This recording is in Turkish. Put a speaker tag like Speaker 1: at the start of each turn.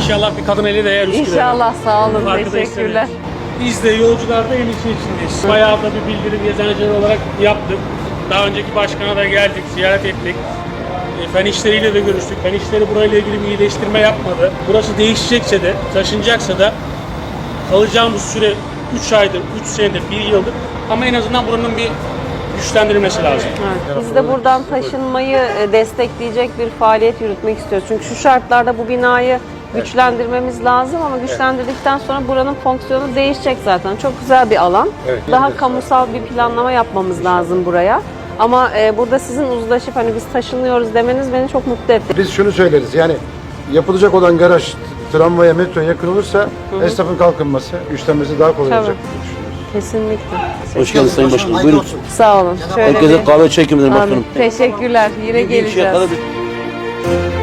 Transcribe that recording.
Speaker 1: İnşallah bir kadın eli değer Üsküdar'a.
Speaker 2: İnşallah, sağ olun.
Speaker 1: Arkadaşlarım.
Speaker 2: Teşekkürler.
Speaker 1: Biz de yolcularda en içindeyiz. Bayağı da bir bildirim yazıcıları olarak yaptık. Daha önceki başkana da geldik, ziyaret ettik. Fen işleriyle de görüştük. Fen işleri burayla ilgili bir iyileştirme yapmadı. Burası değişecekse de, taşınacaksa da kalacağımız süre 3 aydır, 3 senedir, 1 yıldır. Ama en azından buranın bir güçlendirilmesi lazım.
Speaker 2: Evet. Biz de buradan taşınmayı destekleyecek bir faaliyet yürütmek istiyoruz. Çünkü şu şartlarda bu binayı güçlendirmemiz lazım ama güçlendirdikten sonra buranın fonksiyonu değişecek zaten. Çok güzel bir alan.
Speaker 3: Evet.
Speaker 2: Daha kamusal bir planlama yapmamız lazım buraya. Ama burada sizin uzlaşıp hani biz taşınıyoruz demeniz beni çok mutlu etti.
Speaker 3: Biz şunu söyleriz yani yapılacak olan garaj tramvaya, metroya yakın olursa esnafın kalkınması, güçlenmesi daha kolay
Speaker 2: Tabii.
Speaker 3: olacak diye düşünüyoruz.
Speaker 2: Kesinlikle.
Speaker 4: Hoş geldiniz Sayın Başkanım. Buyurun.
Speaker 2: Sağ olun. Şöyle
Speaker 4: Herkese
Speaker 2: bir...
Speaker 4: kahve çekim ederim
Speaker 2: Amin.
Speaker 4: başkanım.
Speaker 2: Teşekkürler. Yine
Speaker 4: Bir şey
Speaker 2: geleceğiz.
Speaker 4: kadar bir-